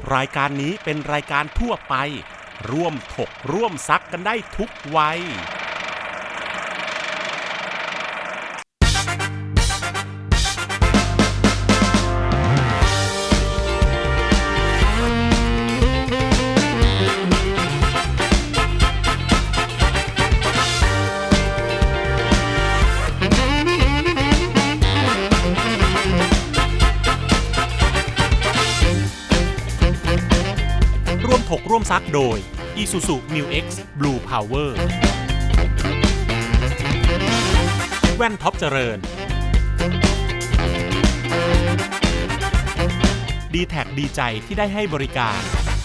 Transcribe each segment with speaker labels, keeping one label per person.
Speaker 1: รายการนี้เป็นรายการทั่วไปร่วมถกร่วมซักกันได้ทุกวัยร่วมซักโดย Isuzu Mu X Blue Power แว่นท็อปเจริญ D-Tag ดีใจที่ได้ให้บริการ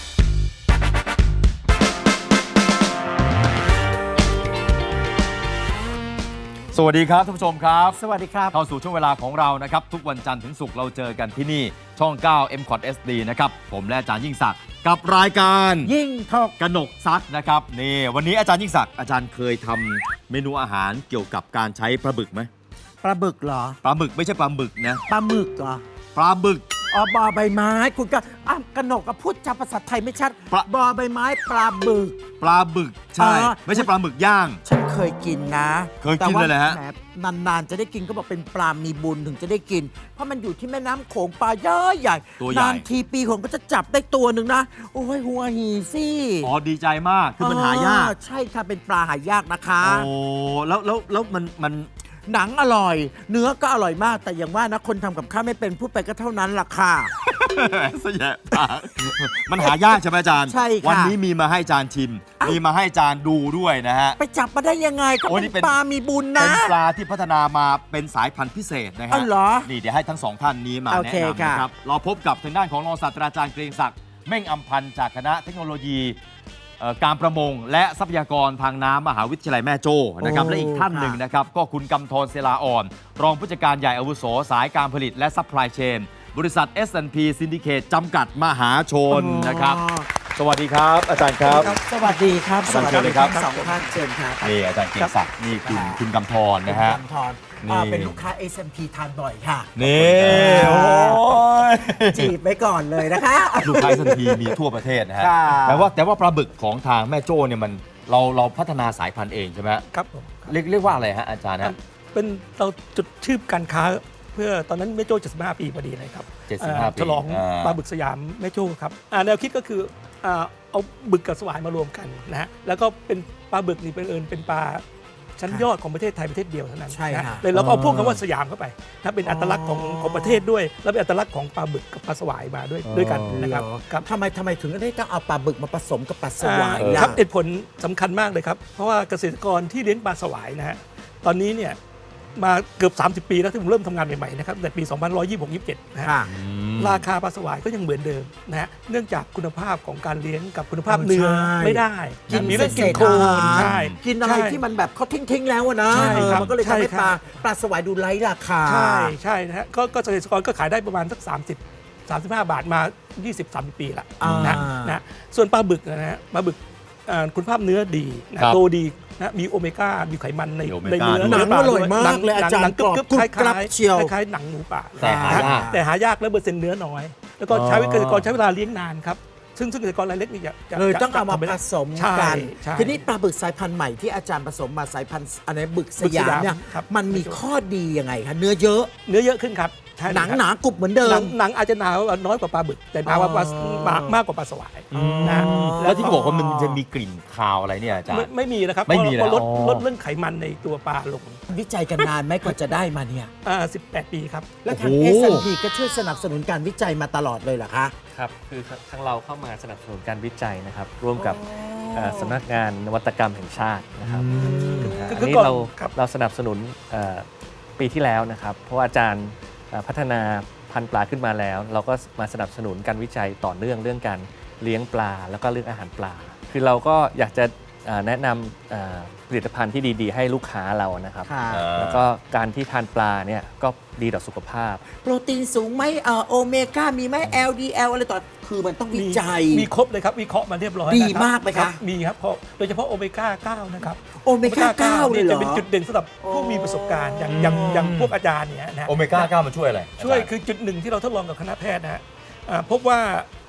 Speaker 2: สวัสดีครับท่านผู้ชมครับ
Speaker 3: สวัสดีครับ
Speaker 2: เข้าสู่ช่วงเวลาของเรานะครับทุกวันจันทร์ถึงศุกร์เราเจอกันที่นี่ช่อง 9 MCOT SD นะครับผมและอาจารย์ยิ่งศักดิ์กับรายการ
Speaker 3: ยิ่งถก
Speaker 2: กนกซักนะครับนี่วันนี้อาจารย์ยิ่งศักดิ์อาจารย์เคยทำเมนูอาหารเกี่ยวกับการใช้ปลาบึกไหม
Speaker 3: ปลาบึกเหรอ
Speaker 2: ปลาบึกไม่ใช่ปลาหมึกนะ
Speaker 3: ปลาหมึกเหรอ
Speaker 2: ปลาบึก
Speaker 3: บอใบไม้คุณก็กนกก็พูดจาภาษาไทยไม่ชัดบอใบไม้ปลาบึก
Speaker 2: ปลาบึกใช่ไม่ใช่ปลาหมึกย่าง
Speaker 3: ฉันเคยกินนะ
Speaker 2: เคยกินเลยแหละฮะ
Speaker 3: นานๆจะได้กินก็บอกเป็นปลามีบุญถึงจะได้กินเพราะมันอยู่ที่แม่น้ำโขงปลาเยอะใหญ่นานทีปีผมก็จะจับได้ตัวหนึ่งนะโอ้ยหัวหีสิ
Speaker 2: อ๋อดีใจมากคือมันหายาก
Speaker 3: ใช่ค่ะเป็นปลาหายากนะคะ
Speaker 2: โอ้แล้วมัน
Speaker 3: หนังอร่อยเนื้อก็อร่อยมากแต่อย่างว่านะคนทำกับข้าวไม่เป็นพูดไปก็เท่านั้นล่ะค่ะ
Speaker 2: สยะปากมันหายากใช่ไหมอาจารย์
Speaker 3: ใช่ค่ะ
Speaker 2: วันนี้มีมาให้อาจารย์ชิมมีมาให้อาจารย์ดูด้วยนะฮะ
Speaker 3: ไปจับมาได้ยังไงก็เป็นปลามีบุญนะ
Speaker 2: เป็นปลาที่พัฒนามาเป็นสายพันธุ์พิเศษนะฮะนี่เดี๋ยวให้ทั้งสองท่านนี้มาแนะนำนะครับเราพบกับทางด้านของรองศาสตราจารย์เกรียงศักดิ์เม่งอำพันธ์จากคณะเทคโนโลยีการประมงและทรัพยากรทางน้ำมหาวิทยาลัยแม่โจ้นะครับและอีกท่านหนึ่งนะครับก็คุณกำธรเสลาอ่อนรองผู้จัดการใหญ่อาวุโสสายการผลิตและซัพพลายเชนบริษัท S&P Syndicate จำกัดมหาชนนะครับสวัสดีครับอาจารย์ครับ
Speaker 3: สวัสดีครับ
Speaker 2: สวัสดีครับ
Speaker 3: สองท่านเชิญครับ
Speaker 2: นี่อาจารย์เกียรติศักดิ์นี่คุณกำธรนะฮะ
Speaker 3: เป็นลูกค้า S&P ทานบ่อยค่ะ
Speaker 2: นี่โอ้ย
Speaker 3: จีบไปก่อนเลยนะคะ
Speaker 2: ลูกค้า S&P มีทั่วประเทศนะฮะแต่ว่าปลาบึกของทางแม่โจ้เนี่ยมันเราพัฒนาสายพันธุ์เองใช่ไหม
Speaker 4: ครับผม
Speaker 2: เรียกว่าอะไรฮะอาจารย์ฮะ
Speaker 4: เป็นเราจุดชื่อการค้าเพื่อตอนนั้นแม่โจ้75 ปีพอดีเลยครับ
Speaker 2: 75 ปี
Speaker 4: ฉลองปลาบึกสยามแม่โจ้ครับแนวคิดก็คือเอาบึกกับสวายมารวมกันนะฮะแล้วก็เป็นปลาบึกนี่เป็นปลาชั้นยอดของประเทศไทยประเทศเดียวเท่านั้นนะเลยเราก็เอาพวกคำว่าสยามเข้าไปถ้าเป็นอัตลักษณ์ของประเทศด้วยแล้วเป็นอัตลักษณ์ของปลาบึกกับปลาสวายมาด้วยกันนะครับ
Speaker 3: ทำไมถึงได้ต้องเอาปลาบึกมาผสมกับปลาสวาย
Speaker 4: ครับเหตุผลสำคัญมากเลยครับเพราะว่าเกษตรกรที่เลี้ยงปลาสวายนะฮะตอนนี้เนี่ยมาเกือบ30 ปีแล้วที่ผมเริ่มทำงานใหม่ๆนะครับแต่ปี2126-27นะฮะราคาปลาสวายก็ยังเหมือนเดิมนะฮะเนื่องจากคุณภาพของการเลี้ยงกับคุณภาพเนื้อไม่ได้
Speaker 3: มีเรื่องกินโคลนกินอะไรที่มันแบบเขาทิ้งแล้วนะมันก็เลยทำให้ปลาสวายดูไร้ราคา
Speaker 4: ใช่นะฮะก็เกษตรกรก็ขายได้ประมาณสัก35 บาทมา 20-30 ปีละนะส่วนปลาบึกนะฮะปลาบึกคุณภาพเนื้อดีโตดีนะมีโอเมก้ามีไขมันในเนื้อ
Speaker 3: หนังอร่อยมากเลยอาจารย์
Speaker 4: กรึบคล้ายหนังหมูป่าแต่หายากและเปอร์เซ็นต์เนื้อน้อยแล้วก็เกษตรกรใช้เวลาเลี้ยงนานครับซึ่งเกษตรกรรายเล็กนี่
Speaker 3: เลยต้องเอามาผสมกันทีนี้ปลาบึกสายพันธุ์ใหม่ที่อาจารย์ผสมมาสายพันธุ์อะไรบึกสยามเนี่ยมันมีข้อดียังไงคะเนื้อเยอะ
Speaker 4: ขึ้นครับ
Speaker 3: หนังหนากรุบเหมือนเดิม
Speaker 4: หนังอาจจะหนาน้อยกว่าปลาบึกแต่หนากว่ามากกว่าปลาสวาย
Speaker 2: นะแล้วที่บอกว่ามันจะมีกลิ่นคาวอะไรเนี่ยอาจารย์
Speaker 4: ไม่มีนะครับ
Speaker 2: ไม่มีแล้ว
Speaker 4: ลดเรื่องไขมันในตัวปลาลง
Speaker 3: วิจัยกันนานไหมกว่าจะได้มาเนี่ย
Speaker 4: 18 ปีครับ
Speaker 3: แล้วทาง S&P ก็ช่วยสนับสนุนการวิจัยมาตลอดเลยเหรอคะ
Speaker 5: ครับคือทางเราเข้ามาสนับสนุนการวิจัยนะครับร่วมกับสำนักงานนวัตกรรมแห่งชาตินะครับอันนี้เราสนับสนุนปีที่แล้วนะครับเพราะว่าอาจารย์พัฒนาพันธุ์ปลาขึ้นมาแล้วเราก็มาสนับสนุนการวิจัยต่อเนื่องเรื่องการเลี้ยงปลาแล้วก็เรื่องอาหารปลาคือเราก็อยากจะแนะนำผลิตภัณฑ์ที่ดีๆให้ลูกค้าเรานะครับแล้วก็การที่ทานปลาเนี่ยก็ดีต่อสุขภาพ
Speaker 3: โปรตีนสูงไหมโอเมก้ามีไหม LDL อะไรต่อคือมันต้องวิจัย
Speaker 4: มีครบเลยครับวิเคราะห์มาเรียบร้อย
Speaker 3: ดีมากไหมครับ
Speaker 4: มีครับโดยเฉพาะโอเมก้า 9นะครับ
Speaker 3: โอเมก้า 9
Speaker 4: นี่จะเป็นจุดเด่นสำหรับผู้มีประสบการณ์อย่างพวกอาจารย์เนี่ยนะ
Speaker 2: โอเมก้า 9มันช่วยอะไร
Speaker 4: ช่วยคือจุดหนึ่งที่เราทดลองกับคณะแพทย์นะฮะพบว่า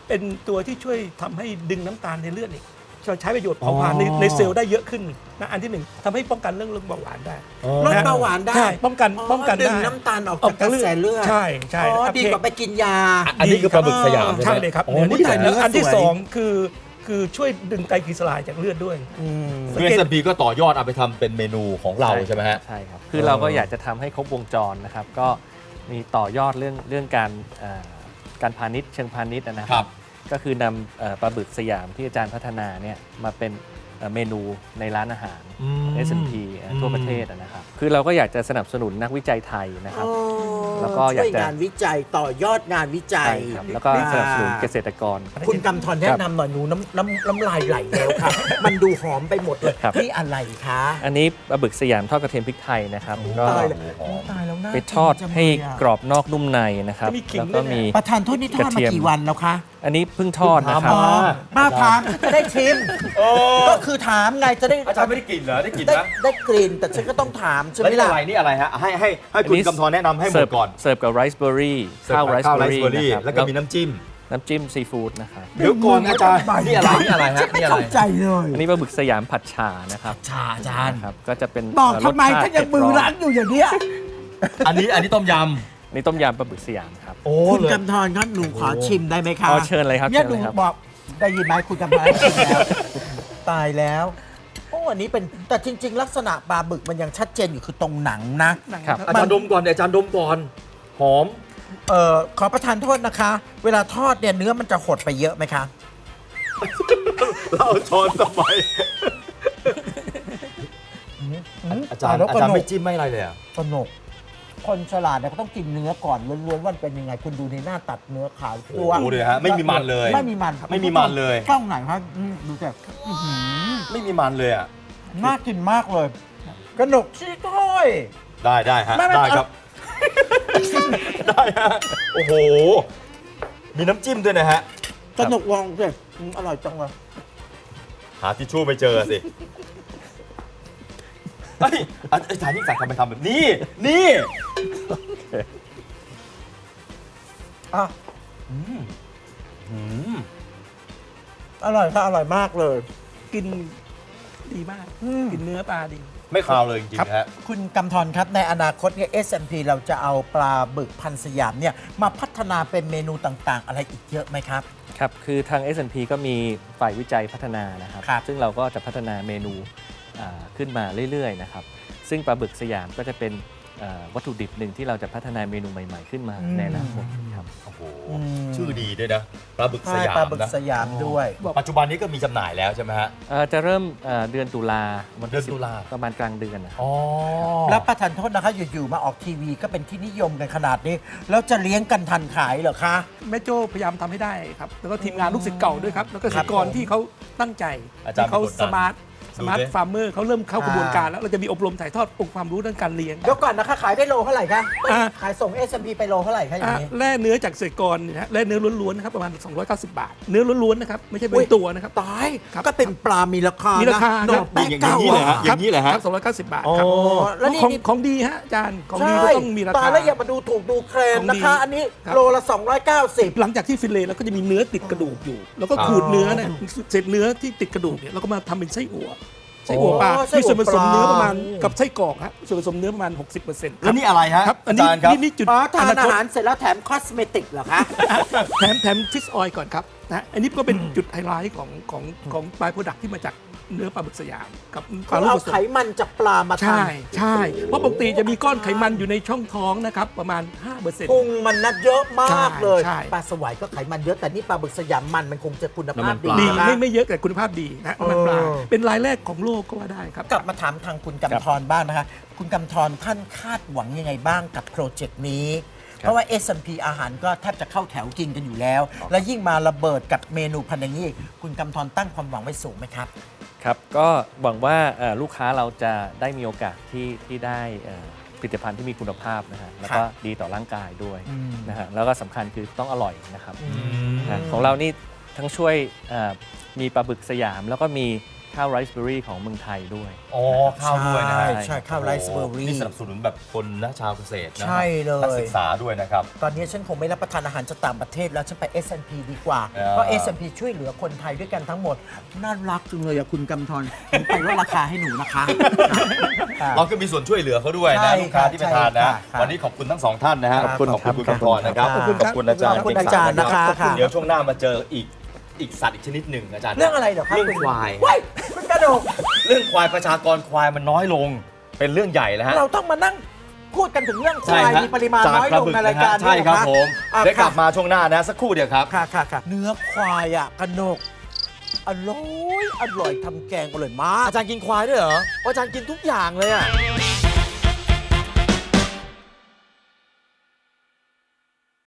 Speaker 4: เป็นตัวที่ช่วยทำให้ดึงน้ำตาลในเลือดอีกใช้ประโยชน์เผาผลาญในเซลล์ได้เยอะขึ้นนะอันที่หนึ่งทำให้ป้องกันเรื่องเบาหวานได้
Speaker 3: ลดเบาหวานได้
Speaker 4: ใช่ป้องกัน
Speaker 3: ดึ
Speaker 4: ได้
Speaker 3: งน้ำตาลออกจากกระแสเลือด
Speaker 4: ใช่
Speaker 3: ดีกว่าไปกินยา
Speaker 2: อันนี้คือปลาบึกสยาม
Speaker 4: ใช่เลยครับ
Speaker 2: โอ้นี่แต่
Speaker 3: เนื้
Speaker 4: แล้ว
Speaker 3: อ
Speaker 4: อันที่
Speaker 3: สวย
Speaker 4: สองคือช่วยดึงไตรกลีเซอไรด์จากเลือดด้วย
Speaker 2: คือ S&P ก็ต่อยอดเอาไปทำเป็นเมนูของเราใช่ไหมฮะ
Speaker 5: ใช่ครับคือเราก็อยากจะทำให้ครบวงจรนะครับก็มีต่อยอดเรื่องการพาณิชย์เชิงพาณิชย์นะค
Speaker 2: ครั
Speaker 5: รับ บก็คือนำปลาบึกสยามที่อาจารย์พัฒนาเนี่ยมาเป็นเมนูในร้านอาหาร S&P ทั่วประเทศนะครับคือเราก็อยากจะสนับสนุนนักวิจัยไทยนะครับ แล้วก็อยากจะ
Speaker 3: ช่วยงานวิจัยต่อยอดงานวิจัย
Speaker 5: ใช่ครับแล้วก็สนับสนุนเกษตรกร
Speaker 3: คุณกำธรแนะนำหน่อยหนูน้ำลายไหลแล้วค่ะ มันดูหอมไปหมดเลย
Speaker 5: ครับ
Speaker 3: นี่อะไรคะ
Speaker 5: อันนี้ปลาบึกสยามทอดกระเทียมพริกไทยนะครับก็
Speaker 3: ตายแล้วตายแล้วน่า
Speaker 5: ไปทอด
Speaker 3: กินจัง
Speaker 5: ให้
Speaker 3: เลยอะ
Speaker 5: กรอบนอกนุ่มในนะครับ
Speaker 4: จะมีขิง
Speaker 5: แล้วก็
Speaker 4: ด้วยนะ
Speaker 5: มี
Speaker 3: ประธานโทษนี่ทอด
Speaker 5: กระ
Speaker 3: มา
Speaker 5: เทียม
Speaker 3: กี่วันแล้วคะ
Speaker 5: อันนี้เพิ่งทอดนะครับ
Speaker 3: ป้าถามจะได้ชิมก็คือถามไงจะได้
Speaker 2: อาจารย์ไม่ได้กลิ่นเหรอได้กลิ่น
Speaker 3: ได้
Speaker 2: นะ
Speaker 3: ได้กลิ่นแต่ฉันก็ต้องถามใช่ไห
Speaker 2: แล้ว
Speaker 3: ม
Speaker 2: นี่
Speaker 3: ล่ะ
Speaker 2: อะไรนี่อะไรฮะให้คุณกำธรแนะนำให้หมดก่อน
Speaker 5: เสิร์ฟกับไรซ์เบอร์รี่ข้าวไรซ์
Speaker 2: ข้าว
Speaker 5: เบ
Speaker 2: ไร
Speaker 5: อร์
Speaker 2: ซ์
Speaker 5: รี่
Speaker 2: เบอร์รี่
Speaker 5: นะครับ
Speaker 2: แล้วก็มีน้ำจิ้ม
Speaker 5: น้ำจิ้มซีฟู้ดนะครับ
Speaker 2: เดี๋ยวก่อนอาจารย์นี่อะไรนี่อะไรฮะ
Speaker 3: ไม่
Speaker 2: นี่อะไร
Speaker 3: เข้าใจเลย
Speaker 5: อันนี้ปลาบึกสยามผัดฉ่านะครับ
Speaker 3: ชาอาจารย์
Speaker 5: นะครับก็จะเป็น
Speaker 3: บอกทำไม
Speaker 5: รสชติ
Speaker 3: ถ้ายังมือล้างอยู่อย่างเนี้ย
Speaker 2: อันนี้ต้มย
Speaker 5: นี่ต้มยำปลาบึกสยามครับ
Speaker 2: ำโอ้
Speaker 3: คุณ
Speaker 2: เลย
Speaker 3: กำธรครับหนูขอชิมได้ไหมคะ
Speaker 5: อ๋อเชิญเลยครับ
Speaker 3: เนี่ย
Speaker 5: เชิญ
Speaker 3: หนู
Speaker 5: เลยครับ
Speaker 3: บอกได้ยินไหมคุณกำธรชิมแล้วตายแล้วโอ้อันนี้เป็นแต่จริง ๆ ลักษณะปลาบึกมันยังชัดเจนอยู่คือตรงหนังนะ
Speaker 5: ครับ
Speaker 2: อาจารย์ดมก่อนอาจารย์ดมก่อนหอม
Speaker 3: ขอประทานโทษนะคะ เวลาทอดเนี่ยเนื้อมันจะหดไปเยอะไหมคะ
Speaker 2: เราเอาช้อนทำไมอาจารย์ไม่จิ้มไม่อะไรเลยอ่ะ
Speaker 3: สนุกคนฉลาดเนี่ยเขาต้องกินเนื้อก่อนล้วนๆว่ามันเป็นยังไง คุณดูในหน้าตัดเนื้อขาวตัว
Speaker 2: โอ้โหเลยฮะไม่มีมันเลย
Speaker 3: ไม่มีมันครับ
Speaker 2: ไม่มีมันเลย
Speaker 3: กล้องไหนครับดูแต่อื้อหือ
Speaker 2: ไม่มีมันเลยอ่ะ
Speaker 3: น่ากินมากเลยกระหนกชี้ถ้อย
Speaker 2: ได้ฮะ
Speaker 3: ไม่
Speaker 2: ได้ครับ ได้ฮะโอ้โหมีน้ำจิ้มด้วยนะฮะ
Speaker 3: กระหนกวองเลยอร่อยจังเลย
Speaker 2: หาทิชชู่ไม่เจอสิเฮ้ยอาจารย์ยิ่งศักดิ์ทำไมทำแบบนี้นี่
Speaker 3: อ่ะ
Speaker 2: อืม
Speaker 3: อร่อยค่ะอร่อยมากเลย
Speaker 4: กินดีมาก กินเนื้อปลาดี
Speaker 2: ไม่คาวเลยจริงๆฮะ
Speaker 3: คุณกำธรครับในอนาคตเนี่ย S&P เราจะเอาปลาบึกพันธุ์สยามเนี่ยมาพัฒนาเป็นเมนูต่างๆ อะไรอีกเยอะไหมครับ
Speaker 5: ครับคือทาง S&P ก็มีฝ่ายวิจัยพัฒนานะครับ
Speaker 3: ครับ
Speaker 5: ซึ่งเราก็จะพัฒนาเมนูขึ้นมาเรื่อยๆนะครับซึ่งปลาบึกสยามก็จะเป็นวัตถุดิบหนึ่งที่เราจะพัฒนาเมนูใหม่ๆขึ้นมาในอนาคตครับ
Speaker 2: โอ้โหชื่อดีด้วยนะปลาบึกส
Speaker 3: ใช่
Speaker 2: ยาม
Speaker 3: ปลาบึก
Speaker 2: นะ
Speaker 3: สยามด้วย
Speaker 2: ปัจจุบันนี้ก็มีจำหน่ายแล้วใช่ไหมฮะ
Speaker 5: จะเริ่มเดือนตุลาวัน
Speaker 2: เดื
Speaker 5: ที่
Speaker 2: อนตุลา
Speaker 5: ประมาณกลางเดือนนะครับ
Speaker 2: อ๋อ
Speaker 3: แล้วประทานโทษนะคะอยู่ๆมาออกทีวีก็เป็นที่นิยมกันขนาดนี้ แล้วจะเลี้ยงกันทันขายเหรอคะ
Speaker 4: แม่โจ้พยายามทำให้ได้ครับ แล้วก็ทีมงานลูกศิษย์เก่าด้วยครับ แล้วก็เกษตรกรที่เขาตั้งใจ
Speaker 2: อาจารย์
Speaker 4: ที่เขา
Speaker 2: เป็นคนดัง
Speaker 4: สมาร์ท
Speaker 2: ดูดิ
Speaker 4: ฟาร์มเมอร์เขาเริ่มเข้ากระบวนการแล้ว เราจะมีอบรมถ่ายทอดองค์ความรู้ด้านการเลี้ยง
Speaker 3: เดี๋ยวก่อนนะคะขายได้โลเท่าไหร่คะ
Speaker 4: อ่ะ
Speaker 3: ขายส่ง S&P ไปโลเท่าไหร่คะอย่างนี้
Speaker 4: แร่เนื้อจากเกษตรกรเนี่ยนะฮะแร่เนื้อล้วนๆนะครับประมาณ 290 บาท เนื้อล้วนๆนะครับไม่ใช่เป็นตัวนะครับ
Speaker 3: ตาย
Speaker 4: ครับ
Speaker 3: ก็เป็นปลามีราคา
Speaker 4: มี
Speaker 3: มี
Speaker 4: ราคา
Speaker 3: หน
Speaker 4: ครั
Speaker 3: อบ แป้ง
Speaker 2: อย่าง
Speaker 3: เก้า
Speaker 2: นี้เลยฮะ อย่างนี้เลยฮะ
Speaker 4: ครับ290 บาท
Speaker 2: อ๋อ
Speaker 4: ครับ
Speaker 3: แล้วนี่
Speaker 4: ของดีฮะอาจารย์ของดี
Speaker 3: ใช่
Speaker 4: ก็ต้องมีรา
Speaker 3: ตา
Speaker 4: คา
Speaker 3: แล้วอย่ามาดูถูกดูแคลน
Speaker 4: ของดี
Speaker 3: นะคะ อันนี้
Speaker 4: ครับ
Speaker 3: โลละ 290
Speaker 4: หลังจากที่ฟิลเลต์แล้วก็จะมีเนื้อติดกระดูกอยู่ แล้วก็
Speaker 2: ครับ
Speaker 4: ขูดเนื้อเนี่ยเศษเนื้อที่ติดกระดูกเนี่ยเราก็มาทำเป็นไส้อั่วไส้อั่ว
Speaker 3: โอ้
Speaker 4: ปลา
Speaker 3: ไส้อั่ว
Speaker 4: มีส่วนผสมเนื้อประมาณ
Speaker 3: ปลา
Speaker 4: กับไส้กรอกฮะส่วนผสมเนื้อประมาณ 60%
Speaker 2: แล้วนี่อะไรฮะ
Speaker 4: ครับอัน
Speaker 2: อา
Speaker 4: นี้
Speaker 2: จารย์ครับ
Speaker 4: นี่จุด
Speaker 3: อ๋อทาน
Speaker 4: ค
Speaker 3: อา
Speaker 4: ต
Speaker 3: หารเสร็จแล้วแถมคอสเมติกเหรอคะ
Speaker 4: แถมฟิชออยล์ก่อนครับนะอันนี้ก็เป็นจุดไฮไลท์ของปลายโปรดักที่มาจากเนื้อปลาบึกสยามกับปลา
Speaker 3: เขา
Speaker 4: ลูก
Speaker 3: เอา
Speaker 4: ผสม
Speaker 3: ไขมันจากปลามาท
Speaker 4: ใช่ใช่เพราะปกติจะมีก้อนไขมันอยู่ในช่องท้องนะครับประมาณ 5%
Speaker 3: ำพุงมันนัดเยอะมากเลย
Speaker 4: ใช่
Speaker 3: ปลาสวายก็ไขมันเยอะแต่นี่ปลาบึกสยามมันคงจะคุณภาพดี
Speaker 4: ดี
Speaker 3: นะคะ
Speaker 4: ไม่เยอะแต่คุณภาพดีนะมันปลา
Speaker 3: เออ
Speaker 4: เป็นรายแรกของโลกก็ว่าได้ครับ
Speaker 3: กลับมาถามทางคุณกำธรบ้างนะคะ คุณกำธรท่านคาดหวังยังไงบ้างกับโปรเจกต์นี้ เพราะว่า S&P อาหารก็แทบจะเข้าแถวกินกันอยู่แล้ว และยิ่งมาระเบิดกับเมนูพันธุ์อย่างนี้อีกคุณกำธรตั้งความหวังไว้สูงไหมครับ
Speaker 5: ครับก็หวังว่าลูกค้าเราจะได้มีโอกาสที่ได้ผลิตภัณฑ์ที่มีคุณภาพนะฮะแล้วก็ดีต่อร่างกายด้วยนะฮะแล้วก็สำคัญคือต้องอร่อยนะครับของเรานี่ทั้งช่วยมีปลาบึกสยามแล้วก็มีข้าวไรซ์เบอร์รี่ของเมืองไทยด้วย
Speaker 2: อ๋อข้าวด้วยนะฮะ
Speaker 3: ใช่ข้าวไรซ์เบอร์รี่
Speaker 2: นี่สนับสนุนแบบคนนะชาวเกษตรนะ
Speaker 3: ใช่เลย
Speaker 2: นักศึกษาด้วยนะครับ
Speaker 3: ตอนนี้ฉันคงไม่รับประทานอาหารจากต่างประเทศแล้ว ฉันไป S&P ดีกว่า
Speaker 2: อ่า
Speaker 3: เพราะ S&P ช่วยเหลือคนไทยด้วยกันทั้งหมด น่ารักจังเลยอะคุณกำธรผมไปลดราคาให้หนูนะคะ
Speaker 2: เราก็มีส่วนช่วยเหลือเขาด้วย
Speaker 3: ใช่
Speaker 2: นะลูกค้าที่ไปทานนะ
Speaker 3: ใช่ค่ะ
Speaker 2: วันนี้ขอบคุณทั้งสองท่านนะฮะ
Speaker 3: ขอบคุณ
Speaker 2: ขอบคุณคุณกำธรนะครับ
Speaker 3: ขอบคุณครับ
Speaker 2: ขอบคุณอาจารย์
Speaker 3: ขอบคุณอาจารย์นะคะ
Speaker 2: ขอบคุณเดี๋ยวช่วงหน้ามาเจออีกสัตว์อีกชนิดหนึ่งอาจารย์
Speaker 3: เรื่องอะไรเหรอครับ
Speaker 2: เรื่องควาย
Speaker 3: ว้ายมันกระโดด
Speaker 2: เรื่องควายประชากรควายมันน้อยลง เป็นเรื่องใหญ่แล้วฮะ
Speaker 3: เราต้องมานั่งพูดกันถึงเรื่องควาย
Speaker 2: ใช่ฮะ
Speaker 3: มีปริมาณน้อยลงในรายการ
Speaker 2: ใช่ครับ
Speaker 3: นี้เห
Speaker 2: ผ
Speaker 3: อ
Speaker 2: ม
Speaker 3: อ่ะ
Speaker 2: เดี๋ยวกลับมาช่วงหน้านะสักครู่เดียวครับ
Speaker 3: ค่ะเนื้อควายอะกระโดกอร่อยทำแกงอร่อยมาก
Speaker 2: อาจารย์กินควายด้วยเหรออาจารย์กินทุกอย่างเลยอ่ะ